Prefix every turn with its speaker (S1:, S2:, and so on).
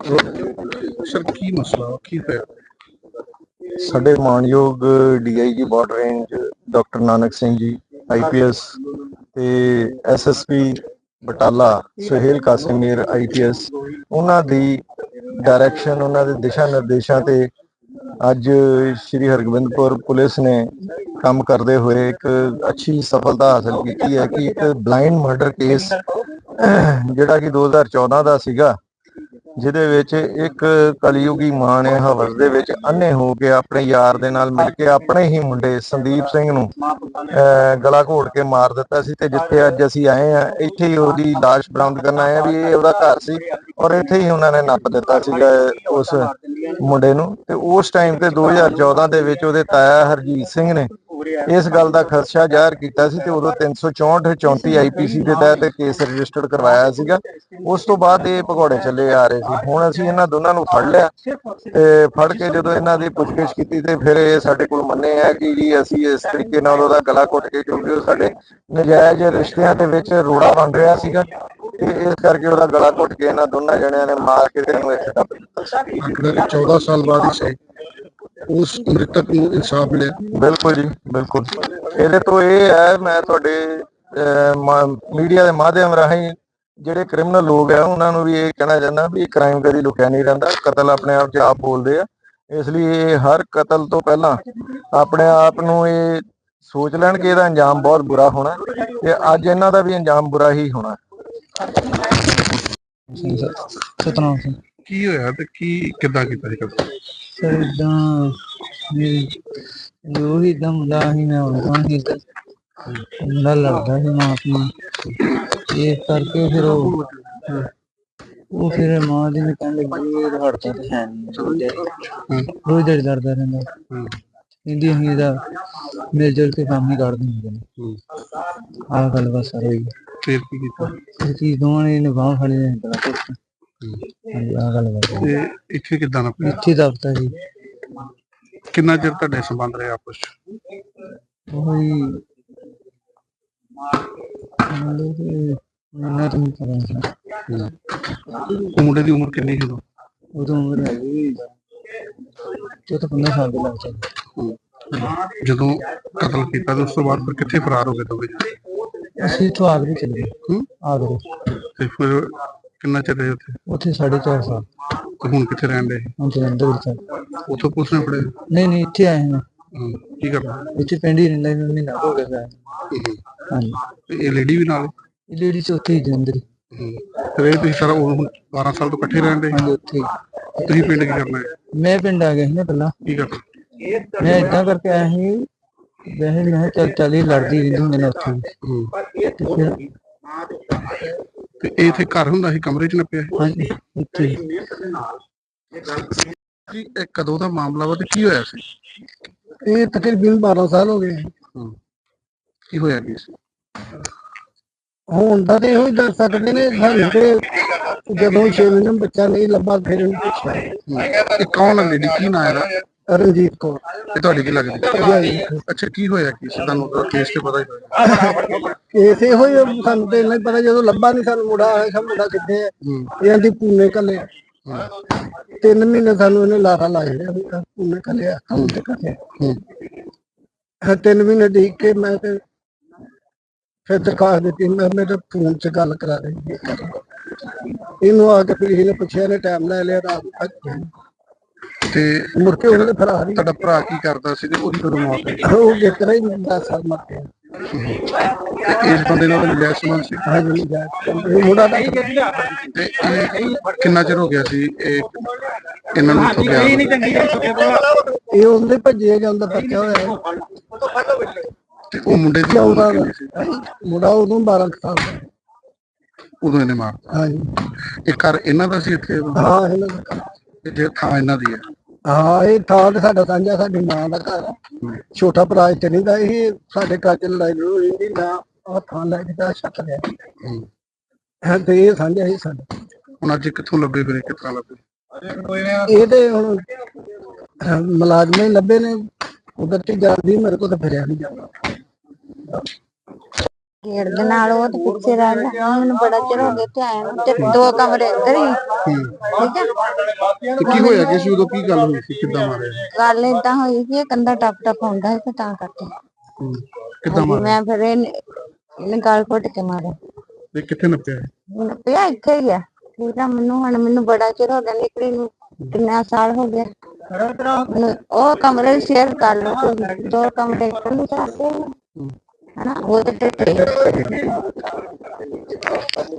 S1: Sir ਕੀ ਮਸਲਾ ਕੀ ਹੋਇਆ?
S2: ਸਾਡੇ ਮਾਨਯੋਗ DIG border range doctor Nanak Singh ji IPS ਤੇ ਐਸਐਸਪੀ ਬਟਾਲਾ ਸੁਹੇਲ ਕਾਸਿਮੀਰ ਆਈਪੀਐਸ ਉਹਨਾਂ ਦੀ ਡਾਇਰੈਕਸ਼ਨ, ਉਹਨਾਂ ਦੇ ਦਿਸ਼ਾ ਨਿਰਦੇਸ਼ਾਂ ਤੇ ਅੱਜ ਸ਼੍ਰੀ ਹਰਗੋਬਿੰਦਪੁਰ ਪੁਲਿਸ ਨੇ ਕੰਮ ਕਰਦੇ ਹੋਏ ਇੱਕ ਅੱਛੀ ਸਫਲਤਾ ਹਾਸਲ ਕੀਤੀ ਹੈ ਕਿ ਇੱਕ ਬਲਾਈਂਡ ਮਰਡਰ ਕੇਸ ਜਿਹੜਾ ਕਿ 2014 ਦਾ ਸੀਗਾ, ਜਿਹਦੇ ਵਿੱਚ ਇੱਕ ਕਲਯੁਗੀ ਮਾਂ ਨੇ ਹਵਸ ਦੇ ਵਿੱਚ ਅੰਨੇ ਹੋ ਕੇ ਆਪਣੇ ਯਾਰ ਦੇ ਨਾਲ ਮਿਲ ਕੇ ਆਪਣੇ ਹੀ ਮੁੰਡੇ ਸੰਦੀਪ ਸਿੰਘ ਨੂੰ ਗਲਾ ਘੋਟ ਕੇ ਮਾਰ ਦਿੱਤਾ ਸੀ। ਤੇ ਜਿੱਥੇ ਅੱਜ ਅਸੀਂ ਆਏ ਆ, ਇੱਥੇ ਹੀ ਉਹਦੀ ਲਾਸ਼ ਬਰਾਮਦ ਕਰਨ ਆਏ ਆ ਵੀ ਇਹ ਉਹਦਾ ਘਰ ਸੀ ਔਰ ਇੱਥੇ ਹੀ ਉਹਨਾਂ ਨੇ ਨੱਪ ਦਿੱਤਾ ਸੀਗਾ ਉਸ ਮੁੰਡੇ ਨੂੰ। ਤੇ ਉਸ ਟਾਈਮ ਤੇ 2014 ਦੇ ਵਿੱਚ ਉਹਦੇ ਤਾਇਆ ਹਰਜੀਤ ਸਿੰਘ ਨੇ ਇਸ ਗੱਲ ਦਾ ਖਦਸ਼ਾ ਜ਼ਾਹਰ ਕੀਤਾ ਸੀ ਤੇ ਉਦੋਂ 364 34 ਆਈਪੀਸੀ ਦੇ ਤਹਿਤ ਕੇਸ ਰਜਿਸਟਰਡ ਕਰਵਾਇਆ ਸੀਗਾ। ਉਸ ਤੋਂ ਬਾਅਦ ਇਹ ਭਗੌੜੇ ਚੱਲੇ ਆ ਰਹੇ ਸੀ। ਹੁਣ ਅਸੀਂ ਇਹਨਾਂ ਦੋਨਾਂ ਨੂੰ ਫੜ ਲਿਆ ਤੇ ਫੜ ਕੇ ਜਦੋਂ ਇਹਨਾਂ ਦੀ ਪੁੱਛਗਿੱਛ ਕੀਤੀ ਤੇ ਫਿਰ ਇਹ ਸਾਡੇ ਕੋਲ ਮੰਨੇ ਆ ਕਿ ਜੀ ਅਸੀਂ ਇਸ ਤਰੀਕੇ ਨਾਲ ਉਹਦਾ ਗਲਾ ਘੁੱਟ ਕੇ, ਕਿਉਂਕਿ ਉਹ ਸਾਡੇ ਨਜਾਇਜ਼ ਰਿਸ਼ਤਿਆਂ ਦੇ ਵਿੱਚ ਰੋੜਾ ਬਣ ਰਿਹਾ ਸੀਗਾ ਤੇ ਇਸ ਕਰਕੇ ਉਹਦਾ ਗਲਾ ਘੁੱਟ ਕੇ ਇਹਨਾਂ ਦੋਨਾਂ ਜਣਿਆਂ ਨੇ ਮਾਰ ਕੇ ਤੇ ਇਹਨੂੰ ਇੱਥੇ ਦੱਬ ਦਿੱਤਾ।
S1: 14 ਸਾਲ ਬਾਅਦ ਹੀ ਉਸ ਮ੍ਰਿਤਕ ਨੂੰ ਇਨਸਾਫ ਮਿਲਿਆ।
S2: ਬਿਲਕੁਲ ਜੀ, ਬਿਲਕੁਲ। ਇਹਦੇ ਤੋਂ ਇਹ ਹੈ, ਮੈਂ ਤੁਹਾਡੇ ਮੀਡੀਆ ਦੇ ਮਾਧਿਅਮ ਰਾਹੀਂ ਜਿਹੜੇ ਕ੍ਰਿਮੀਨਲ ਲੋਕ ਆ ਉਹਨਾਂ ਨੂੰ ਵੀ ਇਹ ਕਹਿਣਾ ਚਾਹੁੰਦਾ ਵੀ ਕ੍ਰਾਈਮ ਕਦੀ ਲੁਕਿਆ ਨਹੀਂ ਰਹਿੰਦਾ, ਕਤਲ ਆਪਣੇ ਆਪ 'ਚ ਆਪ ਬੋਲਦੇ ਆ। ਇਸ ਲਈ ਇਹ ਹਰ ਕਤਲ ਤੋਂ ਪਹਿਲਾਂ ਆਪਣੇ ਆਪ ਨੂੰ ਇਹ ਸੋਚ ਲੈਣ ਕਿ ਇਹਦਾ ਅੰਜਾਮ ਬਹੁਤ ਬੁਰਾ ਹੋਣਾ ਤੇ ਅੱਜ ਇਹਨਾਂ ਦਾ ਵੀ ਅੰਜਾਮ ਬੁਰਾ ਹੀ ਹੋਣਾ।
S3: ਸਤਨਾਮ ਸਿੰਘ।
S1: ਕੀ ਹੋਇਆ ਤੇ ਕੀ ਕਿੱਦਾਂ ਕੀਤਾ ਸੀ ਕਤਲ?
S3: ਸਰ ਇਦਾਂ ਜੋ ਹੀ ਇਦਾਂ ਮੁੰਡਾ ਸੀ, ਮੈਂ ਉਹਨਾਂ ਹੀ ਮੁੰਡਾ ਲੜਦਾ ਸੀ ਮਾਂ ਆਪਣੀ, ਇਸ ਕਰਕੇ ਫਿਰ ਉਹ ਫਿਰ ਮਾਂ ਦੀ ਨੇ ਕਹਿਣ ਲੱਗੀ ਇਹ ਹੜਦਾ ਤੇ ਹੈ ਨਹੀਂ, ਰੋਜ਼ ਦਿਹਾੜੀ ਲੜਦਾ ਰਹਿੰਦਾ। ਕਹਿੰਦੀ ਅਸੀਂ ਇਹਦਾ ਮਿਲ ਜੁਲ ਕੇ ਕੰਮ ਹੀ ਕੱਢ ਦਿੰਦੇ ਨੇ। ਆਹ ਗੱਲ ਬਸ ਸਰ ਹੋਈ।
S1: ਫਿਰ ਕੀ ਕੀਤਾ?
S3: ਚੀਜ਼ ਦੋਵਾਂ ਨੇ ਨਿਭਾਉ ਫੜੀ ਨੇ ਬੜਾ ਕੁਛ। ਹਾਂਜੀ, ਆਹ ਗੱਲ ਬਸ।
S1: ਤੇ ਇੱਥੇ ਕਿੱਦਾਂ ਨਾ
S3: ਇੱਥੇ ਦਫ਼ਤਰ ਜੀ।
S1: ਕਿੰਨਾ ਚਿਰ ਤੁਹਾਡੇ ਸੰਬੰਧ ਰਹੇ ਆਪਸ ਚ?
S3: ਉਹੀ ਮੈਨੂੰ ਤਾਂ ਨਹੀਂ ਪਤਾ।
S1: ਮੁੰਡੇ ਦੀ ਉਮਰ ਕਿੰਨੀ ਸੀ
S3: ਉਦੋਂ ਉਮਰ ਹੈਗੀ 15 ਸਾਲ ਦੇ ਲੱਗ ਜਾਂਦੇ।
S1: ਜਦੋਂ ਕਤਲ ਕੀਤਾ ਤੇ ਉਸ ਤੋਂ ਬਾਅਦ ਫਿਰ ਕਿੱਥੇ ਫਰਾਰ ਹੋ ਗਏ ਦੋਵੇਂ?
S3: ਅਸੀਂ ਇੱਥੋਂ ਆਗਰੇ ਚਲੇ ਗਏ। ਆਗਰੇ।
S1: ਤੇ ਫਿਰ ਕਿੰਨਾ ਚਿਰ ਰਹੇ ਉੱਥੇ?
S3: ਉੱਥੇ 4.5 ਸਾਲ।
S1: ਤੇ ਹੁਣ ਕਿੱਥੇ ਰਹਿਣ ਦੇ?
S3: ਹੁਣ ਜਲੰਧਰ ਵਿੱਚ।
S1: ਉੱਥੋਂ ਪੁਲਿਸ ਨੇ ਫੜੇ?
S3: ਨਹੀਂ, ਇੱਥੇ ਆਏ ਹਾਂ।
S1: ਕੀ ਕਰਨਾ
S3: ਇੱਥੇ ਪਿੰਡ ਹੀ ਰਹਿੰਦਾ, ਮਹੀਨਾ ਹੋ ਗਿਆ। ਹਾਂਜੀ।
S1: ਇਹ ਲੇਡੀ ਵੀ ਨਾਲ?
S3: ਇਹ ਲੇਡੀ ਚ ਉੱਥੇ ਹੀ ਜਲੰਧਰ।
S1: ਫਿਰ ਇਹ ਤੁਸੀਂ ਸਾਰਾ 12 ਸਾਲ ਤੋਂ ਇਕੱਠੇ ਰਹਿੰਦੇ?
S3: ਹਾਂਜੀ, ਉੱਥੇ।
S1: ਤੁਸੀਂ ਪਿੰਡ ਕੀ ਕਰਨਾ ਹੈ?
S3: ਮੈਂ ਪਿੰਡ ਆ ਗਿਆ ਸੀ ਨਾ ਪਹਿਲਾਂ।
S1: ਕੀ ਕਰਨਾ?
S3: ਮੈਂ ਏਦਾਂ ਕਰਕੇ ਆਇਆ ਸੀ, ਵੈਸੇ ਮੈਂ ਚੱਲ ਹੀ ਲੜਦੀ ਰਹਿੰਦੀ ਹੁੰਦੀ ਨੇ ਉੱਥੇ। ਤੇ ਫਿਰ
S1: ਤੇ ਇਹ ਇੱਥੇ ਘਰ ਹੁੰਦਾ ਸੀ, ਕਮਰੇ ਚ ਨੱਪਿਆ?
S3: ਹਾਂਜੀ, ਇੱਥੇ।
S1: ਇਹ ਕਦੋਂ ਦਾ ਮਾਮਲਾ ਵਾ ਤੇ ਕੀ ਹੋਇਆ ਸੀ?
S3: ਇਹ ਤਕਰੀਬਨ 12 ਸਾਲ ਹੋ ਗਏ।
S1: ਕੀ ਹੋਇਆ ਕੀ ਸੀ?
S3: ਹੁਣ ਤਾਂ ਤੇ ਇਹੋ ਹੀ ਦੱਸ ਸਕਦੇ ਨੇ ਸਾਨੂੰ ਤੇ ਜਦੋਂ 6 ਮਹੀਨੇ ਬੱਚਾ ਨਹੀਂ ਲੱਭਾ ਫਿਰ ਇਹਨੂੰ ਪੁੱਛਿਆ।
S1: ਇਹ ਕੌਣ ਹੈ ਲੇਡੀ? ਕੀ ਨਾਂ ਇਹਦਾ?
S3: ਰਣਜੀਤ ਕੌਰ।
S1: ਇਹ ਤੁਹਾਡੀ ਕੀ ਲੱਗਦੀ? ਅੱਛਾ, ਕੀ ਹੋਇਆ ਕੀ ਸੀ? ਤੁਹਾਨੂੰ ਕੇਸ ਤੇ ਪਤਾ ਹੀ ਹੋਇਆ?
S3: ਕੇਸ ਇਹੋ ਹੀ ਸਾਨੂੰ ਤੇ ਇੰਨਾ ਹੀ ਪਤਾ, ਜਦੋਂ ਲੱਭਾ ਨਹੀਂ ਸਾਨੂੰ ਮੁੰਡਾ ਆਇਆ, ਮੁੰਡਾ ਕਿੱਥੇ ਹੈ ਇਹਨਾਂ ਦੀ ਪੂਨੇ ਕੱਲੇ। 3 ਮਹੀਨੇ ਸਾਨੂੰ ਇਹਨੇ ਲਾਰਾ ਲਾ ਛੜਿਆ, ਪੂਨੇ ਕੱਲਿਆ ਕੰਮ ਤੇ ਕੱਲਿਆ। 3 ਮਹੀਨੇ ਦੇਖ ਕੇ ਮੈਂ ਤੇ ਫਿਰ ਦਰਖਾਸਤ ਦਿੱਤੀ, ਮੈਂ ਮੇਰੇ ਫੋਨ 'ਚ ਗੱਲ ਕਰਾ ਰਹੀ ਇਹਨੂੰ ਆ ਕੇ। ਫਿਰ ਇਹਨੇ ਪੁੱਛਿਆ, ਇਹਨੇ ਟਾਈਮ ਲੈ ਲਿਆ ਰਾਤ ਤੱਕ
S1: ਤੇ
S3: ਮੁੜ ਕੇ ਉਹਨੇ ਫਰਾਰ ਹੀ।
S1: ਤੁਹਾਡਾ ਭਰਾ ਕੀ ਕਰਦਾ ਸੀ ਤੇ ਉਹਦੀ ਕਦੋਂ ਮੌਤ ਹੋਈ?
S3: ਉਹ ਕਿਤਨਾ ਹੀ 10 ਸਾਲ ਮਰ ਗਿਆ।
S1: ਇਸ ਬੰਦੇ ਨਾਲ ਮਿਲਿਆ ਸੰਬੰਧ ਸੀ?
S3: ਹਾਂਜੀ, ਮੁੰਡਾ ਦਾ।
S1: ਤੇ ਕਿੰਨਾ ਚਿਰ ਹੋ ਗਿਆ ਸੀ ਇਹ ਇਹਨਾਂ ਨੂੰ ਗਿਆ?
S3: ਇਹ ਉਹਦੇ ਭੱਜੇ ਜਾਂਦਾ ਪੱਕਿਆ ਹੋਇਆ।
S1: ਤੇ ਉਹ ਮੁੰਡੇ ਦੀ
S3: ਮੁੰਡਾ ਉਦੋਂ 12 ਸਾਲ ਦਾ।
S1: ਉਦੋਂ ਇਹਨੇ ਮਾਰਤਾ?
S3: ਹਾਂਜੀ।
S1: ਇਹ ਘਰ ਇਹਨਾਂ ਦਾ ਸੀ ਇੱਥੇ?
S3: ਹਾਂ, ਇਹਨਾਂ ਦਾ।
S1: ਜੇ ਥਾਂ ਇਹਨਾਂ ਦੀ ਹੈ?
S3: ਹਾਂ, ਇਹ ਥਾਂ ਤੇ ਸਾਡਾ ਸਾਂਝਾ, ਸਾਡੀ ਮਾਂ ਦਾ ਘਰ। ਛੋਟਾ ਭਰਾ ਇੱਥੇ ਨਹੀਂ ਦਾ। ਇਹ ਸਾਡੇ ਘਰ 'ਚ ਲੜਾਈ ਲੜੂਈ ਨਹੀਂ ਨਾ, ਆਹ ਥਾਂ ਲੈ ਕੇ ਛੱਤ ਲਿਆ ਤੇ ਇਹ ਸਾਂਝਾ ਹੀ ਸਾਡਾ।
S1: ਹੁਣ ਅੱਜ ਕਿੱਥੋਂ ਲੱਭੇ ਫਿਰ? ਕਿਸ ਤਰ੍ਹਾਂ ਲੱਭੇ?
S3: ਇਹ ਤੇ ਹੁਣ ਮੁਲਾਜ਼ਮ ਹੀ ਲੱਭੇ ਨੇ, ਉਧਰ ਤੇ ਜਾਂਦੀ ਮੇਰੇ ਕੋਲ ਤਾਂ ਫਿਰਿਆ ਨਹੀਂ ਜਾਂਦਾ।
S4: ਗੇਟ ਦੇ ਨਾਲ ਉਹ ਤੇ ਪਿੱਛੇ ਰਹਿ ਗਿਆ। ਮੈਨੂੰ ਬੜਾ ਚਿਰ ਹੋ ਗਿਆ ਇੱਥੇ ਆਇਆ ਨੂੰ, ਤੇ 2 ਕਮਰੇ ਅੰਦਰ ਹੀ। ਠੀਕ ਹੈ,
S1: ਤੇ ਕੀ ਹੋਇਆ ਕਿ ਸੀ ਉਦੋਂ, ਕੀ ਗੱਲ ਹੋਈ ਸੀ, ਕਿੱਦਾਂ ਮਾਰਿਆ?
S4: ਗੱਲ ਏਦਾਂ ਹੋਈ ਸੀ, ਇਹ ਕੰਧਾ ਟੱਪ ਹੁੰਦਾ ਸੀ ਤੇ ਤਾਂ ਕਰਕੇ
S1: ਕਿੱਦਾਂ ਮਾਰਿਆ
S4: ਮੈਂ ਫਿਰ ਇਹਨੇ ਗਾਲ ਘੁੱਟ ਕੇ ਮਾਰਿਆ।
S1: ਤੇ ਕਿੱਥੇ ਨੱਪਿਆ?
S4: ਮੈਨੂੰ ਪਿਆ ਇੱਥੇ ਹੀ ਆ। ਠੀਕ ਆ, ਮੈਨੂੰ ਬੜਾ ਚਿਰ ਹੋ ਗਿਆ ਨਿਕਲੀ ਨੂੰ, ਕਿੰਨਾ ਸਾਲ ਹੋ ਗਿਆ। ਉਹ ਕਮਰੇ ਸ਼ੇਅਰ ਕਰ ਲਓ, 2 ਕਮਰੇ ਖੁੱਲ੍ਹ ਸਕਦੇ ਹਨਾ, ਉਹ ਤੇ